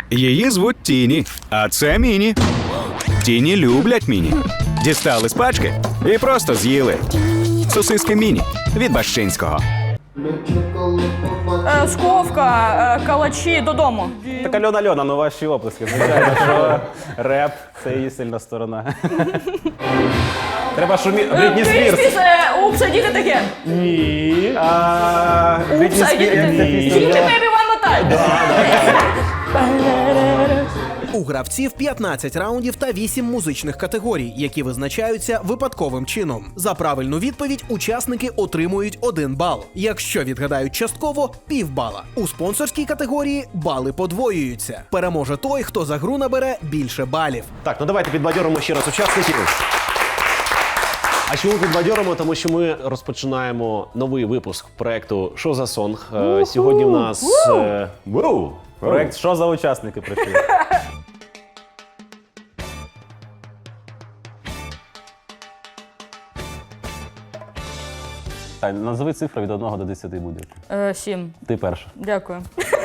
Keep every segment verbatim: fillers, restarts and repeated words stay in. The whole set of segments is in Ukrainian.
Її звуть Тіні, а це Міні. Тіні люблять Міні. Дістали з пачки і просто з'їли. Сосиски Міні від Бащинського. Е, Сковка, е, калачі, додому. Так Альона Альона, ну ваші оплески. Звичайно, що реп – це її сильна сторона. Треба шумі... Брітні Спірс. Спірс, упс, а діти таке. Ні. А, Упс, а діти таке. Тільки baby one more time. У гравців п'ятнадцять раундів та вісім музичних категорій, які визначаються випадковим чином. За правильну відповідь учасники отримують один бал. Якщо відгадають частково – півбала. У спонсорській категорії бали подвоюються. Переможе той, хто за гру набере більше балів. Так, ну давайте підбадьоримо ще раз учасників. А чому підбадьоримо? Тому що ми розпочинаємо новий випуск проекту «Що за сонг?». Е, Сьогодні у нас... е, Воу! Проект «Що за учасники» прийшли? Тань, назови цифру від одного до десяти будь-яку. Е, Сім. Ти перша. Дякую.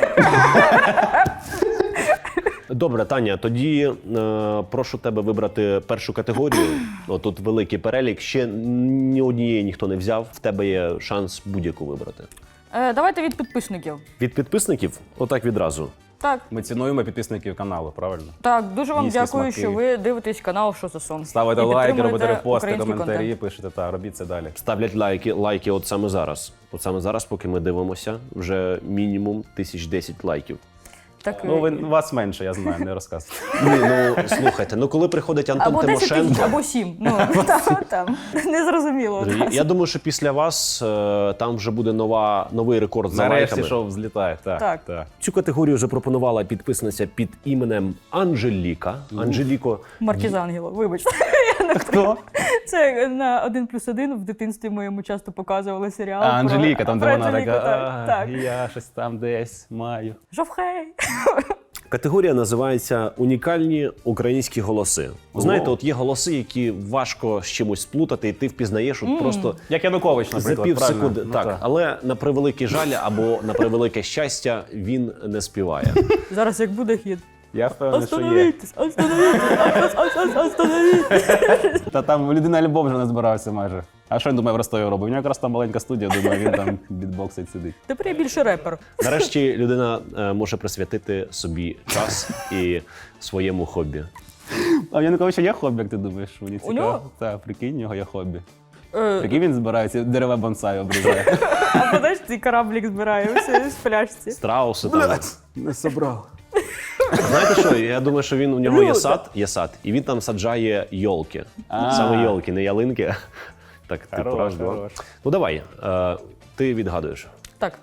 Добре, Таня, тоді е, прошу тебе вибрати першу категорію. О, тут великий перелік. Ще ні однієї ніхто не взяв. В тебе є шанс будь-яку вибрати. Е, давайте від підписників. Від підписників? Отак відразу. Так, Ми цінуємо підписників каналу, правильно? так, дуже вам Їсти дякую, смаки. що ви дивитесь канал «Що за сон». Ставите І лайки, підтримуєте робите репости, український коментарі, контент. пишете, так, робіть це далі. Ставлять лайки, лайки от саме зараз. От саме зараз, поки ми дивимося, вже мінімум тисяч десять лайків. Так, Ну, ви, вас менше, я знаю, не розказуйте. Ні, ну слухайте, ну коли приходить Антон або десять тисяч, Тимошенко, або сім. Ну, там, там. Незрозуміло. я, я думаю, що після вас е, там вже буде нова, новий рекорд за Нарешті лайками. шоу взлітає. Так, Так. так. Цю категорію вже пропонувала підписниця під іменем Анжеліка. Анжеліко, Маркіз Ангело, вибачте. Хто? Це на один плюс один в дитинстві моєму часто показували серіал. А, про- Анжеліка, там, де про вона Анжеліку, така, так, «А, так. я щось там десь маю. Жовхей. категорія називається «Унікальні українські голоси». Знаєте, от є голоси, які важко з чимось сплутати, і ти впізнаєш от просто Як Янукович, наприклад, за пів правильно? секунди. Ну, так, але на превеликий жаль або на превелике щастя він не співає. Зараз як буде хід. Я впевнений, що є. Остановіться, остановіться, остановіться. Та там людина альбом вже не збирався майже. А що він думає в Ростові робить? У нього якраз там маленька студія, думаю, він там бітбоксить сидить. Тепер я більше репер. Нарешті людина е, може присвятити собі час і своєму хобі. А в Януковича є хобі, як ти думаєш? Мені цікаво. нього? Так, прикинь, у нього є хобі. Е, Прикинь, він збирається, дерева бонсай обрізає. А подаш, цей кораблік збирає все з пляшці. Страуси там. Не собрав. Знаєте що, я думаю, що він, у нього є сад, є сад, і він там саджає йолки. Саме йолки, не ялинки. Так, ти Хорош, прав, да? хорош. Ну давай, е, ти відгадуєш. Так.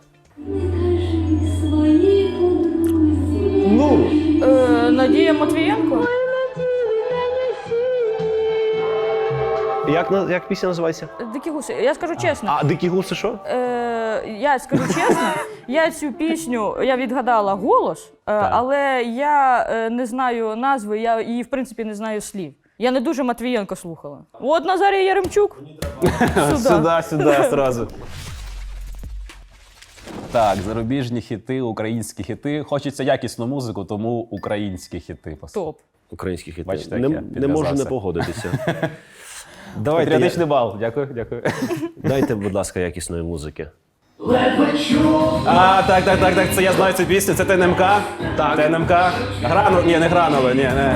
Ну! Е, Надія Матвієнко? Як, на- як пісня називається? Дикі гуси. Я скажу чесно. А дикі гуси що? Е, я скажу чесно, я цю пісню, я відгадала голос, е, але я е, не знаю назви, я її, в принципі, не знаю слів. Я не дуже Матвієнко слухала. От Назарій Яремчук. Сюди. Сюди, сюди, одразу. Так, зарубіжні хіти, українські хіти. Хочеться якісну музику, тому українські хіти. Топ. Українські хіти. Бачите, не, як я не можу не підв'язався. погодитися. Давайте, Патріотичний я- бал. Дякую, дякую. дайте, будь ласка, якісної музики. А, так, так, так, так, це я знаю цю пісню, це ТНМК. Так. ТНМК. Грану, ні, не гранули, ні, не.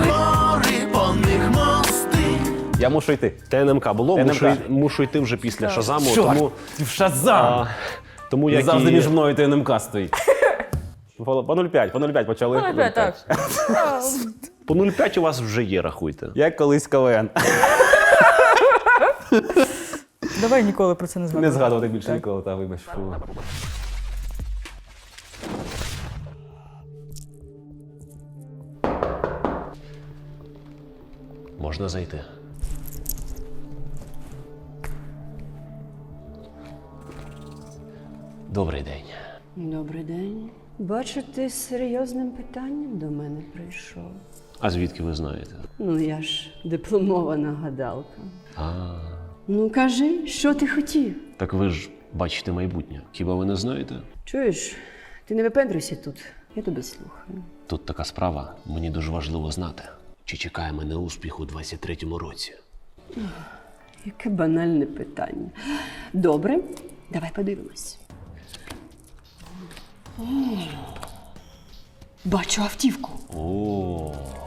Я мушу йти. ТНМК було, ТНМК. мушу, мушу йти вже після Шазаму, Чорт, тому, в Шазам! а, тому як Завжди і... між мною і ТНМК стоїть. По нуль п'ять, по нуль п'ять почали. Ну, опять так. По нуль п'ять у вас вже є, рахуйте. Як колись КВН. Давай ніколи про це не Не згадувати. згадувати більше ніколи, та вибач. Фу. Можна зайти. Добрий день. Добрий день. Бачу, ти з серйозним питанням до мене прийшов. А звідки ви знаєте? Ну, я ж дипломована гадалка. А, Ну, кажи, що ти хотів? так ви ж бачите майбутнє. Хіба ви не знаєте? Чуєш, ти не випендрюйся тут. Я тебе слухаю. Тут така справа, мені дуже важливо знати, чи чекає мене успіх у двадцять третьому році. Яке банальне питання. Добре, давай подивимось. О, бачу автівку. О,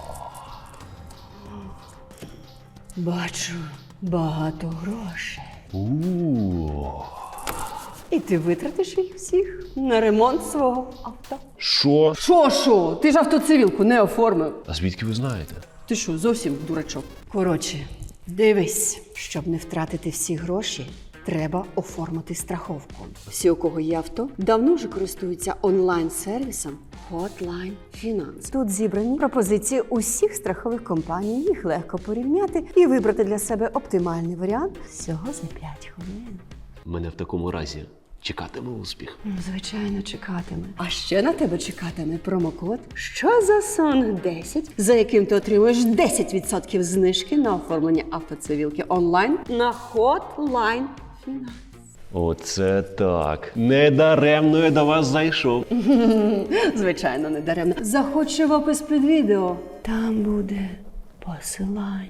Бачу багато грошей. у. І ти витратиш їх всіх на ремонт свого авто. Що? Що, що? Ти ж автоцивілку не оформив. А звідки ви знаєте? Ти що, зовсім дурачок? Коротше, дивись, щоб не втратити всі гроші, треба оформити страховку. Всі, у кого є авто, давно вже користуються онлайн-сервісом Hotline Finance. Тут зібрані пропозиції усіх страхових компаній, їх легко порівняти і вибрати для себе оптимальний варіант всього за п'ять хвилин. Мене в такому разі чекатиме успіх. Ну, звичайно, чекатиме. А ще на тебе чекатиме промокод «Що за сон десять», за яким ти отримуєш десять відсотків знижки на оформлення автоцивілки онлайн на Hotline Finance. Оце так. Недаремно я до вас зайшов. Звичайно, не даремно. Заходь в опис під відео. Там буде посилання.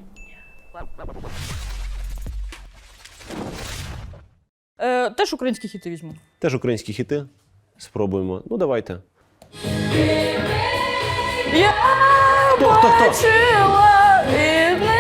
Е, теж українські хіти візьму. Теж українські хіти. Спробуємо. Ну, давайте. Я Хто, хто, хто? бачила і не...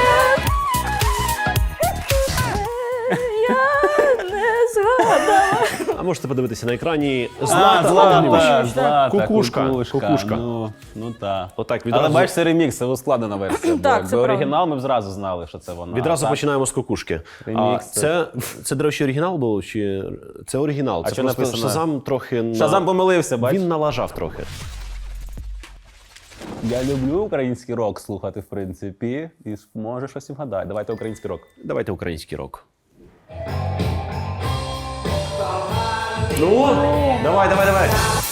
Я не згадала. А можете подивитися на екрані. А, Злата Злата, Огнєвіч. Злата, Кукушка, кукушка. кукушка. Ну, ну так. Отак, Але відразу, бачиш, це ремікс, це ускладнена версія. Так, бо це якби правда. оригінал ми б зразу знали, що це вона. відразу А так? починаємо з кукушки. А, Ремікс, це, це, до речі, оригінал був? Чи... Це оригінал. А це що просто написано? Шазам трохи... На... Шазам помилився, бачиш? Він налажав трохи. Я люблю український рок слухати, в принципі, і може щось і вгадає. Давайте український рок. Давайте український рок. Ну, давай, давай, давай.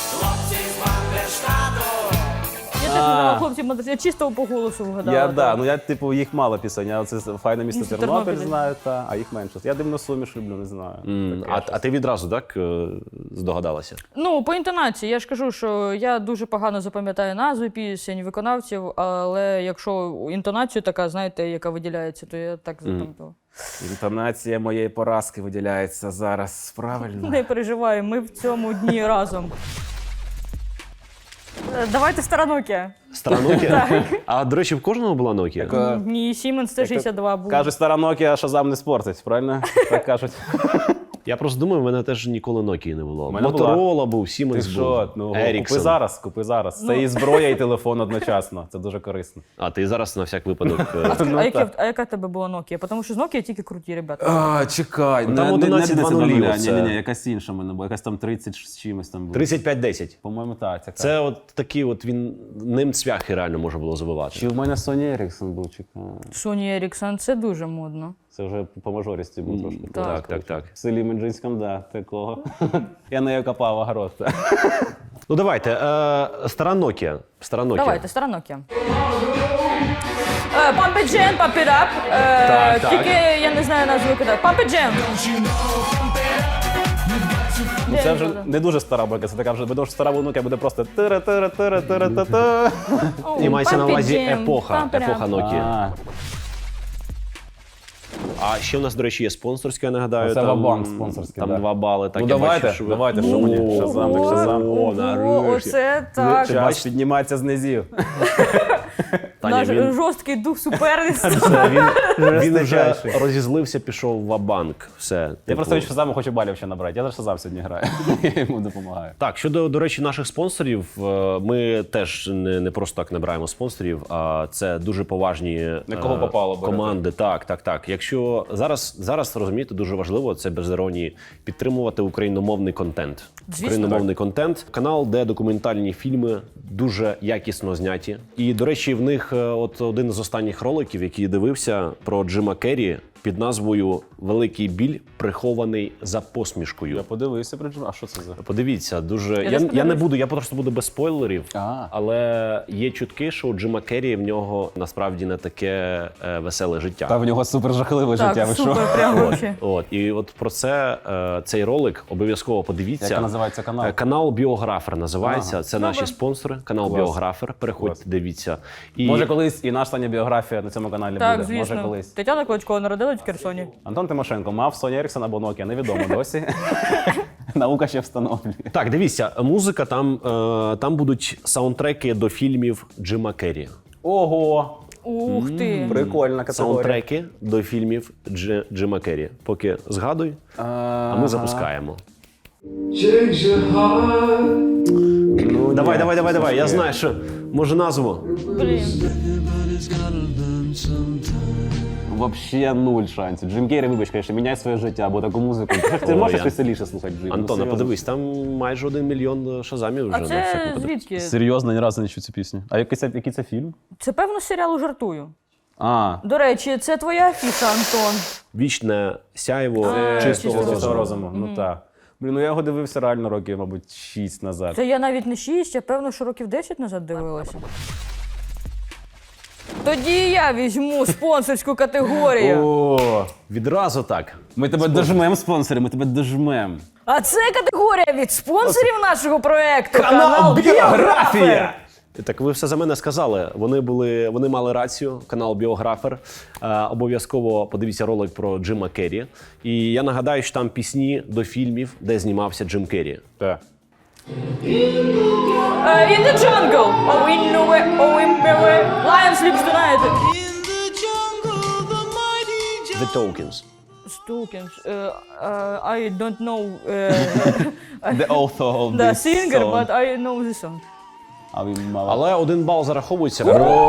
Я теж вгадала, хлопці, молодці. Я чисто по голосу вгадала. Я, так. да, ну я, типу, їх мало пісень, а це файне місто Місто Тернопіль Тернопіль. знаю, та, а їх менше. Я дивно суміш люблю, не знаю. М, Таке А, щось. а ти відразу, так, е, здогадалася? Ну, по інтонації, я ж кажу, що я дуже погано запам'ятаю назви пісень, виконавців, але якщо інтонацію така, знаєте, яка виділяється, то я так запам'ятала. Інтонація моєї поразки виділяється зараз правильно. Не переживай, ми в цьому дні разом. Е, Давайте стара Nokia. Стара Nokia? А, до речі, в кожного була Nokia? Е, Ні, Siemens Т шістдесят два був. Кажуть, стара Nokia Шазам не спортить, правильно? Так кажуть. Я просто думаю, в мене теж ніколи Nokia не було. мене була. Моторола був, Ти Siemens що? був, Ну, купи Ericsson. зараз, купи зараз. Це і зброя, і телефон одночасно. Це дуже корисно. А ти зараз на всяк випадок. е, Ну, А, яке, так. а яка в тебе була Nokia? Тому що з Nokia тільки круті, ребята. А, чекай, Ну, там одинадцять два нуль, Ні, оце. ні, ні, якась інша в мене була, якась там тридцять з чимось там було. тридцять п'ять десять. По-моєму, так. Ця Це от такий от він, ним цвяхи реально можна було забивати. Чи в мене Sony Ericsson був, чекай. Sony Ericsson, це дуже модно. Це вже по мажорісті був трошки. Так, так, так. В селі Меджинському, да, такого. Я нею копав огород. Ну давайте, е, стара Nokia. Стара Nokia. Давайте, стара Nokia. Е, Pump it Jam, Pump it up. Е, Так, так. Тільки я не знаю назву кидати. Pump it Jam. Ну, це вже не дуже стара бака, це така вже, бо стара внука буде просто тира тира тира тира та та І мається на Pump it увазі Jam, епоха, Pump it up. епоха Nokia. А, А ще в нас, до речі, є спонсорське, я нагадаю. Це там, Вабанк спонсорське, Там да. два бали. Так, Ну я давайте, бачу, що ви- давайте, що мені? Шазам, так Шазам. О, О, нарешті. оце так. Час підніматися з низів. Таня, Наш він- жорсткий дух суперництва. Все, він, він вже Жорсточайший. розізлився, пішов в Вабанк. Все. Я типу. просто від Шазаму хочу балів ще набрати. Я за Шазам сьогодні граю. Я йому допомагаю. Так, щодо, до речі, наших спонсорів, е, ми теж не, не просто так набираємо спонсорів, а це дуже поважні На кого е, попало берете. команди. Так, так, так. Якщо зараз, зараз розумієте, дуже важливо це без іронії підтримувати україномовний контент. Звісно. Україномовний контент, канал, де документальні фільми дуже якісно зняті. І, до речі, в них е, от один з останніх роликів, який я дивився про Джима Керрі. під назвою «Великий біль, прихований за посмішкою». Я подивився про Джима. А що це за? Подивіться, дуже. Я, теж я, не подивлюсь. буду, я просто буду без спойлерів. А. Але є чутки, що у Джима Керрі в нього насправді не таке е, веселе життя. Та в нього супер жахливе життя. Так, Ви що? супер, прям вообще. От і от про це е, цей ролик обов'язково подивіться. Як називається канал? Е, Канал Біографер називається. Ага. Це наші спонсори. Канал Клас. Біографер. Переходьте, Клас. дивіться. І Може колись і наша Таня біографія на цьому каналі Так, буде. Може звісно. колись. Тетяна Клочкова народилась в Херсоні. Антон Тимошенко мав Sony Ericsson або Nokia, невідомо досі. Наука ще встановлює. так, дивіться, музика там, е, там будуть саундтреки до фільмів Джима Керрі. Ого! Ух ти. Прикольна категорія. Саундтреки до фільмів Дж, Джима Керрі. Поки згадуй, а ми запускаємо. Ну, Давай, ні, давай, давай, це давай. Я таке. знаю, що може назву. Блін. Вообще нуль шансів. Джим Керрі, вибач, конечно, міняй своє життя, або таку музику. Ти О, можеш я- веселіше слухати Джим? Антона, подивись, там майже один мільйон шазамів вже. А на всяку це подивись. звідки? Серйозно, ні разу не чув цю пісню. А який це, який це фільм? Це певно з серіалу «Жартую». А, До речі, це твоя афіша, Антон. Вічне сяйво А, чистого чистого розуму. розуму. Ну так. Блін, ну я його дивився реально років, мабуть, шість назад. Це я навіть не шість, я певно, що років десять назад дивилася. Тоді я візьму спонсорську категорію. О, Відразу так. ми тебе дожмем, спонсори, ми тебе дожмем. А це категорія від спонсорів нашого проекту. Канал «Біографія». Так ви все за мене сказали. Вони були, вони мали рацію. Канал Біографер. Е, обов'язково подивіться ролик про Джима Керрі. І я нагадаю, що там пісні до фільмів, де знімався Джим Керрі. Так. Uh, in the jungle, oh in nowhere, oh in nowhere, lion sleeps tonight. The Tokens. Stokens, uh, uh, I don't know uh, The author of the this singer, song. but I know the song. А він мало. Але один бал зараховується.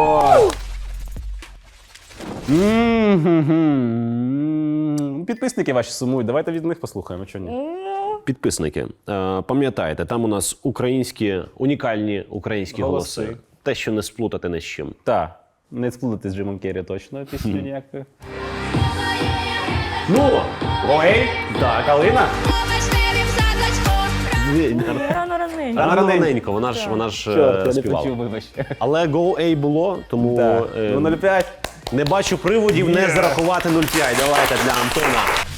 М-м-м. Підписники ваші сумують, давайте від них послухаємо, що ні. Підписники, е, пам'ятаєте, там у нас українські, унікальні українські голоси. Голоси. Те, що не сплутати ні з чим. Так, не сплутати з Джимом Керрі точно пісню ніякою. Ну, ой, так, Алина. Рано раненько. Рано раненько, вона ж, вона ж е, співала. вибач. Але Go A було, тому Так, е, ну нуль п'ять. не бачу приводів не зарахувати нуль п'ять. Давайте для Антона.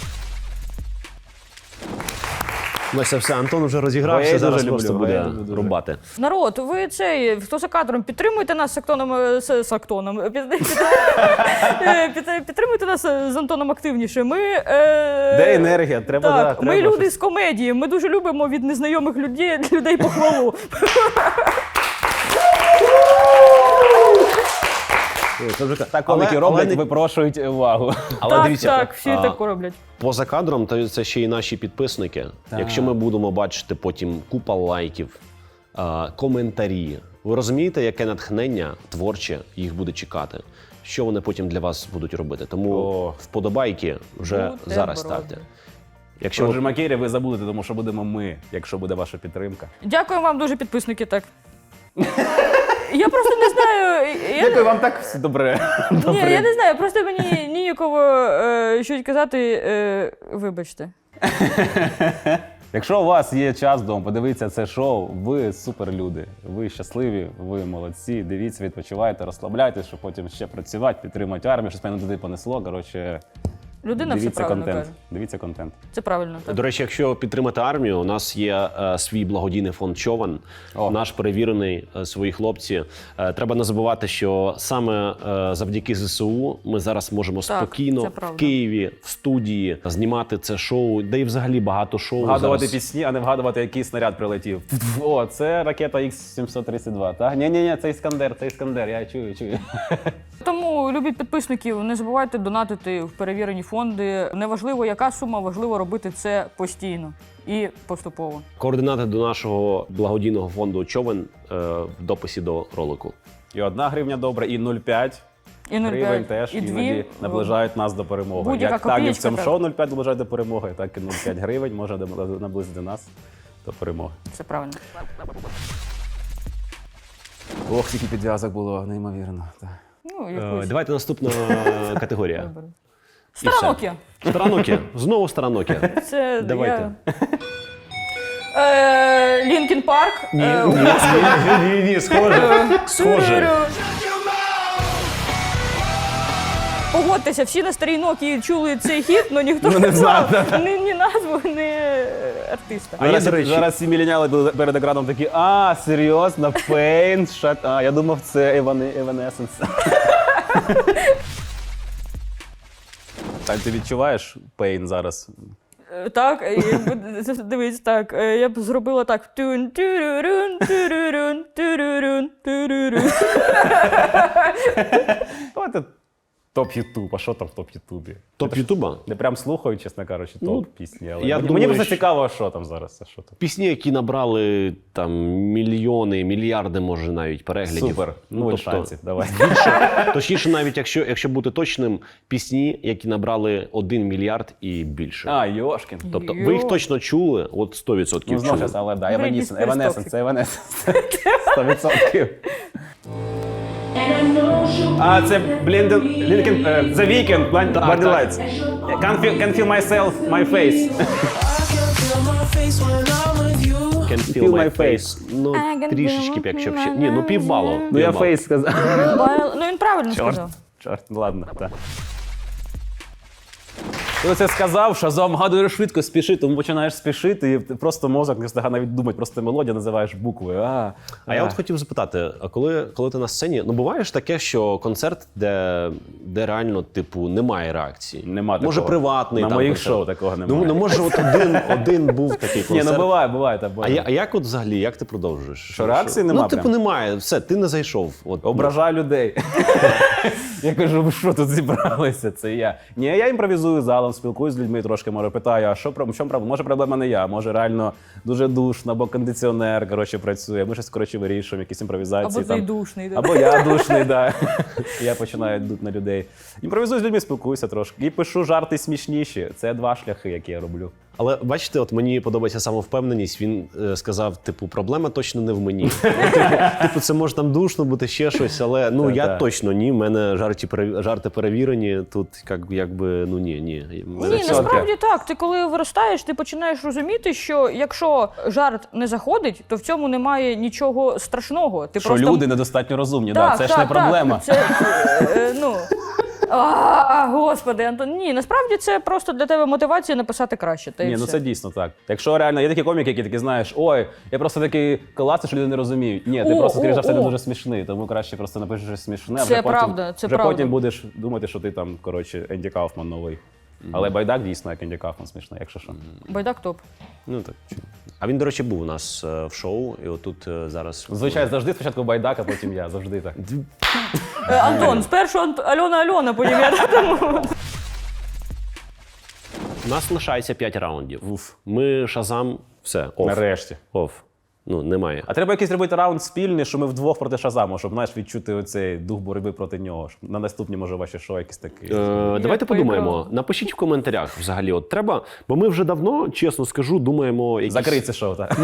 Ну це все, Антон вже розігрався, Go A зараз дуже просто люблю, буде Go A дуже. рубати. Народ, ви цей, хто за кадром, підтримуйте нас з Актоном, е, з, з Актоном, під, під, е, під, підтримуйте нас з Антоном активніше. Ми, е, Де енергія? Треба, да, так, ми треба люди щось. з комедії, ми дуже любимо від незнайомих людей, людей похвалу. Так, коміки Але- роблять, але не- випрошують увагу. Але так, дивіться, так, всі а, так роблять. поза кадром, то це ще й наші підписники. Якщо ми будемо бачити потім купа лайків, а, коментарі, ви розумієте, яке натхнення творче їх буде чекати? Що вони потім для вас будуть робити? Тому О. вподобайки вже Бутерброди. зараз ставте. Якщо Про ви Джима Керрі ви забудете, тому що будемо ми, якщо буде ваша підтримка. Дякую вам дуже, підписники, так. Я просто не знаю. Я, Дякую вам так все добре. ні, я не знаю, просто мені ніяково е, щось казати. Е, вибачте. Якщо у вас є час вдома, подивитися це шоу, ви суперлюди. Ви щасливі, ви молодці. Дивіться, відпочивайте, розслабляйтесь, щоб потім ще працювати, підтримати армію, щось мене туди понесло. Коротше, Людина все дивіться правильно контент. каже. Дивіться контент. Це правильно. Так. До речі, якщо підтримати армію, у нас є е, свій благодійний фонд Човен, О. наш перевірений, е, свої хлопці. Е, треба не забувати, що саме е, завдяки ЗСУ ми зараз можемо Так, спокійно це в правда. Києві, в студії знімати це шоу, де і взагалі багато шоу. Вгадувати зараз. пісні, а не вгадувати, який снаряд прилетів. О, це ракета ікс сімсот тридцять два, так? Ні-ні-ні, це Іскандер, це Іскандер, я чую, чую. Тому, любі підписників, не забувайте донатити в перевірені фонди. Неважливо, яка сума, важливо робити це постійно і поступово. Координати до нашого благодійного фонду Човен е, в дописі до ролику. І одна гривня добре, і нуль п'ять. І нуль Гривень п'ять, теж і іноді дві. наближають нас до перемоги. Будь-яка Як так і в копієчка цьому так. шоу нуль п'ять наближає до перемоги, так і нуль п'ять гривень може наблизити нас до перемоги. Це правильно. Ох, скільки підв'язок було, неймовірно. Так. Ну, Е, якусь. давайте наступна категорія. Стара все. Nokia. Стара Nokia. Знову стара Nokia. Це Давайте. Я... Е, Лінкін Парк. Е, Ні, ні, схоже. Схоже. Погодьтеся, всі на старій Nokia чули цей хіт, але ніхто Ну, не не знав, знав ні, ні назву, ні артиста. А я, Зараз, до речі- зараз всі міленіали були перед екраном такі, а, серйозно, Pain, shut... А, я думав, це Evanescence. Так, ти відчуваєш Pain зараз? Е, Так, і б- дивись, так, е, я б зробила так. Тюн, тюрюрюн, тюрюрюн, тюрюрюн, тюрюрюн. Давайте топ Ютуб, а що там в топ Ютубі? Топ Ютуба? Не прям слухаю, чесно кажучи, топ пісні. Але я мені, думаю, мені просто що- цікаво, а що там зараз. А що там? Пісні, які набрали там мільйони, мільярди, може, навіть переглядів. Супер, нуль тобто, шансів, давай. Точніше, навіть якщо, якщо бути точним, пісні, які набрали один мільярд і більше. А, Йошкін. Тобто ви їх Йо. точно чули, от сто відсотків Ну, знову чули. ж, але да, Бритні Evanescence, Спірс Evanescence, Toxic. це Evanescence. сто відсотків. А, це Блінден, Лінкен, е, The Weeknd, Blind Body Lights. Can't feel, can't feel myself, my face. Can feel, Feel my my face. Ну, трішечки, б, якщо б ще. Ні, ну півбалу. Ну я півбалу. фейс сказав. Байл- Ну він правильно Чорт, сказав. чорт, ну ладно, так. Ти оце сказав, що загадуєш швидко спіши, тому починаєш спішити, і просто мозок не встигає навіть думати, просто мелодію називаєш буквою. А, А я от хотів запитати, а коли, коли ти на сцені, ну буває ж таке, що концерт, де, де реально, типу, немає реакції? Нема Може, такого. приватний На там моїх концерт. шоу такого Ну, немає. ну може, от один, один був такий Ні, концерт. ну буває, буває. Так, А, буває. я, а як от взагалі, як ти продовжуєш? Що, реакції нема Ну, типу, прям? немає, все, ти не зайшов. От, Ображаю людей. Я кажу, ви що тут зібралися? Це я. Ні, я імпровізую залом, спілкуюсь з людьми, трошки може питаю, а що про- в чому проблема? Може, проблема не я, може реально дуже душно, або кондиціонер коротше, працює. Ми щось коротше вирішуємо, якісь імпровізації. Або ти там. душний. да. Або я душний, да. Я починаю дути на людей. Імпровізую з людьми, спілкуюся трошки. І пишу жарти смішніші. Це два шляхи, які я роблю. Але бачите, от мені подобається самовпевненість. Він е, сказав: типу, проблема точно не в мені. Типу, це може там душно бути ще щось, але ну я Та-та. точно ні. В мене жарти пере- жарти перевірені. Тут як, якби ну ні, ні. Мене Ні, все- насправді так. Ти коли виростаєш, ти починаєш розуміти, що якщо жарт не заходить, то в цьому немає нічого страшного. Ти Що просто... люди недостатньо розумні, Так, да, це ж так, не проблема. Так. Це, е, ну... А, господи, Антон, ні, насправді це просто для тебе мотивація написати краще. Та й Ні, ну все. це дійсно так. Якщо реально є такі коміки, які такі знаєш, ой, я просто такий класний, що люди не розуміють. Ні, ти О, просто, скоріш за о, все, не о. дуже смішний, тому краще просто напишеш щось смішне, а Це вже потім, правда, це вже правда. потім будеш думати, що ти там, коротше, Енді Кауфман новий. Але байдак дійсно, як Енді Кауфман смішний, якщо що. Байдак топ. Ну так. А він, до речі, був у нас е, в шоу, і отут е, зараз. Звичайно, завжди спочатку байдак, а потім я, завжди так. Е, Антон, спершу Ант... Альона Альона, потім я тому. У нас лишається п'ять раундів. Уф. Ми шазам, все, оф. Нарешті. Оф. Ну, немає. А треба якийсь робити раунд спільний, що ми вдвох проти Шазаму, щоб знаєш, відчути оцей дух боротьби проти нього. Щоб на наступні, може, ваші шоу якісь такі. Е, давайте Як подумаємо. поіграли. Напишіть в коментарях взагалі. От треба, бо ми вже давно, чесно скажу, думаємо. Якісь... Закрий це шоу, так.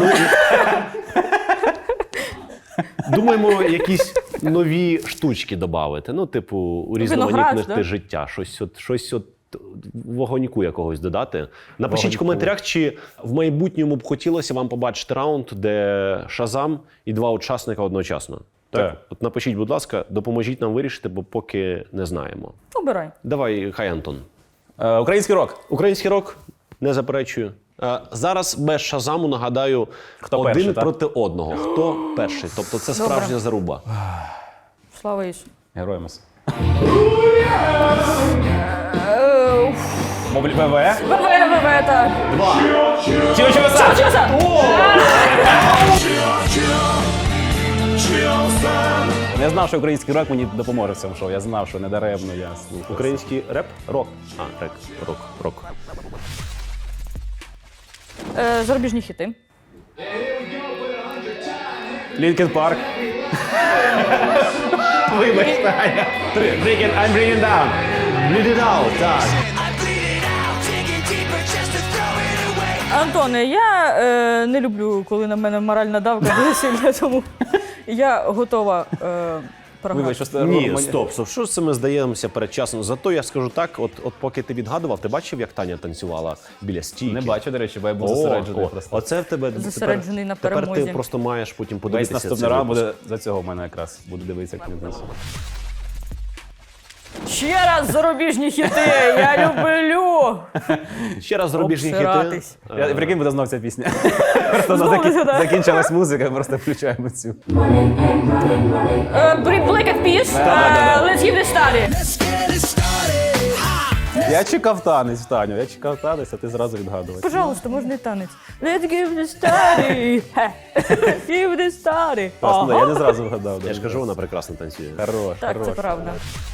Думаємо, якісь нові штучки додати. Ну, типу, урізноманітнити да? життя. Щось от, щось от вогоньку якогось додати. Напишіть Вогоньку. в коментарях, чи в майбутньому б хотілося вам побачити раунд, де Шазам і два учасника одночасно. Так? Так. От напишіть, будь ласка, допоможіть нам вирішити, бо поки не знаємо. Обирай. Давай, хай, Антон. Е, український рок. Український рок, не заперечую. Е, Зараз без Шазаму, нагадаю, Хто один перший, так? проти одного. Хто перший? Тобто це Добре. справжня заруба. Слава Ісу. Героям ес. Е, уф. Моблі ВВ. ВВ, так. Чого чого сам? Чеса! Я знав, що український рок мені допоможе в цьому шоу. Я знав, що не даремно я слухав. Український реп? Рок. А, рек, рок, рок. Е, Зарубіжні хіти. Лінкен Парк. Вибач, Таня. Три. Breaking, I'm breaking down. Bleed it out, так. Антоне, я е, не люблю, коли на мене моральна давка дуже сильна, тому я готова е, програти. Вибач, що Ні, мені- стоп, стоп. Що це ми здаємося передчасно? Зато я скажу так: от, от поки ти відгадував, ти бачив, як Таня танцювала біля стійки? Не бачу, до речі, бо я був О, зосереджений о, просто. Оце в тебе Зосереджений на тепер, тепер перемозі. ти просто маєш потім Весь подивитися. наступний цей раунд випуск. буде за цього в мене якраз. Буду дивитися, як він танцює. Ще раз зарубіжні хіти! Я люблю! Ще раз зарубіжні хіти. Обсиратись. Я, прикинь, буде знов ця пісня. Просто Знову закі- сюди. закінчилась музика, просто включаємо цю. Е, Black Eyed Peas, е, Let's Give This Study. Я чекав танець, Таню, я чекав танець, а ти зразу відгадував. Пожалуйста, можна і танець. Let's give this study. Хе. Let's give this study. Просто Ага. я не зразу вгадав. Я ж кажу, вона прекрасно танцює. Хорош, Так, хорош. це правда.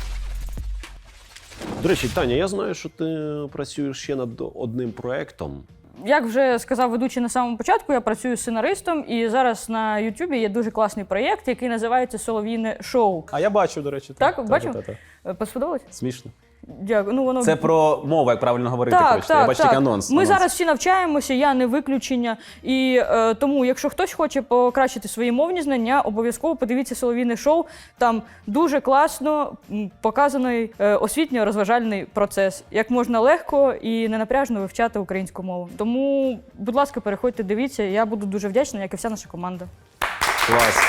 До речі, Таня, я знаю, що ти працюєш ще над одним проєктом. Як вже сказав ведучий на самому початку, я працюю сценаристом, і зараз на Ютубі є дуже класний проєкт, який називається «Солов'їне шоу». А я бачу, до речі. Так, Та, бачив? та, та, та. Е, Сподобалось? Смішно. Дякую. Ну, воно... Це про мову, як правильно говорити. Так, коротше. Я так, бачу так. тільки анонс. Ми анонс. зараз всі навчаємося, я не виключення. І е, тому, якщо хтось хоче покращити свої мовні знання, обов'язково подивіться «Солов'їне шоу». Там дуже класно м, показаний е, освітньо-розважальний процес, як можна легко і ненапряжно вивчати українську мову. Тому, будь ласка, переходьте, дивіться. Я буду дуже вдячна, як і вся наша команда. Клас.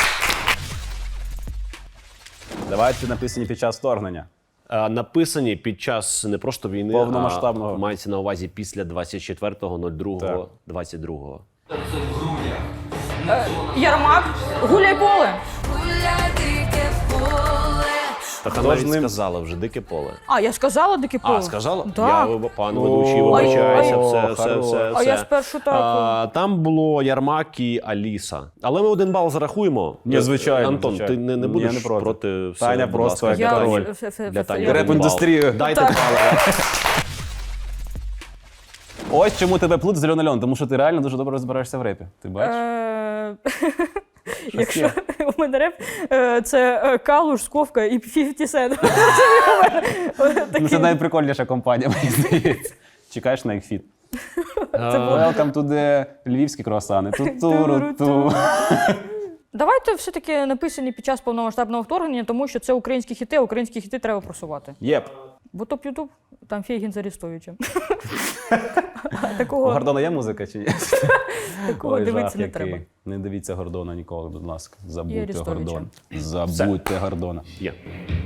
Давайте написані під час вторгнення. А, написані під час не просто війни, Повномасштабного. а мається на увазі після двадцять четвертого другого двадцять другого. Ярмак, гуляй поле. Так Хто вона ж навіть ним- сказала вже дике поле. А, я сказала дике поле. А, сказала? Так. Я, пан ведучий, О, вибачаюся, ой, все, все, хорош. все, А все. я спершу так. А, там було Ярмак і Аліса. Але ми один бал зарахуємо. Ні, звичайно, Антон, звичайно. ти не, не Ні, будеш я не проти. проти все, Таня будь просто ласка, як для король. Тані. Фе- фе- Для фе- Тані фе- один бал. Реп-індустрію. Дайте Так. бал. Ось чому тебе плут з Льон, тому що ти реально дуже добре розбираєшся в репі. Ти бачиш? Е, Якщо є? у мене реп, е, це е, Калуш, Сковка і п'ятдесят Cent. Ну, це найприкольніша компанія, мені здається. Чекаєш на їх фіт. Welcome to the львівські круасани. Ту-туру-ту. Давайте все-таки написані під час повномасштабного вторгнення, тому що це українські хіти, а українські хіти треба просувати. Єп. Бо топ Ютуб, там Фейгін з Арестовичем. А У Такого, Гордона є музика чи ні? такого Ой, дивитися жах не який. треба. Не дивіться Гордона ніколи, будь ласка. Забудьте Арестовича. Гордона. Забудьте Гордона. Є.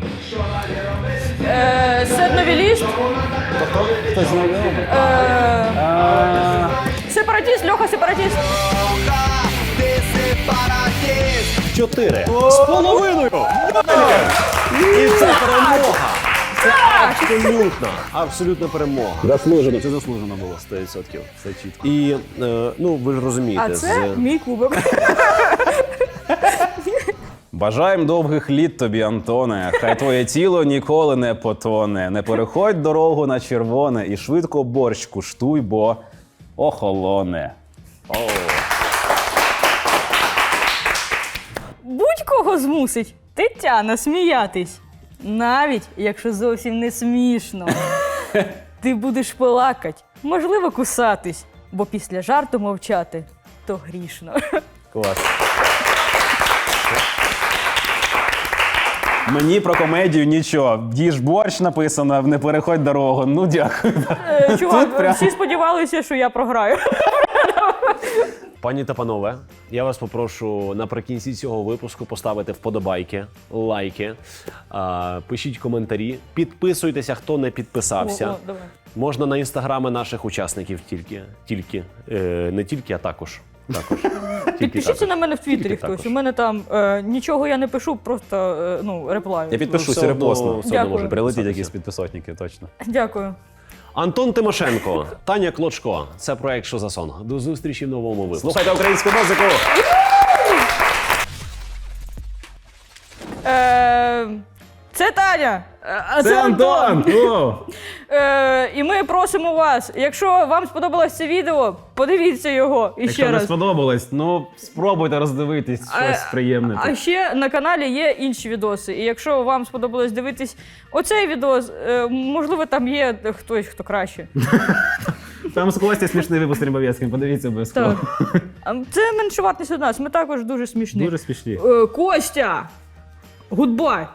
Е, Седновіліст. Хтось знайомий? Е, Сепаратіст, Льоха Сепаратіст. Чотири. З половиною! І це перемога! Це абсолютна, абсолютна перемога. Заслужено, це заслужено було. сто відсотків. Все чітко. І, е, ну, ви ж розумієте, А це з... мій кубок. Бажаємо довгих літ тобі, Антоне. Хай твоє тіло ніколи не потоне. Не переходь дорогу на червоне і швидко борщ куштуй, бо охолоне. Будь-кого змусить Тетяна сміятись. Навіть якщо зовсім не смішно. Ти будеш плакать, можливо, кусатись, бо після жарту мовчати то грішно. Клас. Мені про комедію нічого. Їж борщ написано, не переходь дорогу. Ну, дякую. Е, Чувак, прям- всі сподівалися, що я програю. Пані та панове, я вас попрошу наприкінці цього випуску поставити вподобайки, лайки, а, пишіть коментарі, підписуйтеся, хто не підписався. О, о, давай. Можна на інстаграми наших учасників тільки, тільки е, не тільки, а також. також. Тільки Підпишіться також. на мене в Твіттері Тільки хтось. також. У мене там е, нічого я не пишу, просто е, ну, реплаю. Я підпишусь, все одно- репостну. все одно Дякую. може Прилетіть підписатися. якісь підписотники, точно. Дякую. Антон Тимошенко, Таня Клочко. Це проект «Що за сон?». До зустрічі в новому випуску. Слухайте українську музику! Е, це Таня. Е, А це, Антон. Е, і ми просимо вас, якщо вам сподобалось це відео, подивіться його і ще раз. сподобалось, ну спробуйте роздивитись А- А ще на каналі є інші відоси. І якщо вам сподобалось дивитись оцей відос, е, можливо, там є хтось, хто краще. Там з Костя смішний випуск Рибовецьким, подивіться обов'язково. Так. А це меншовартість від нас. Ми також дуже смішні. смішні. Е, Костя! Гудбай.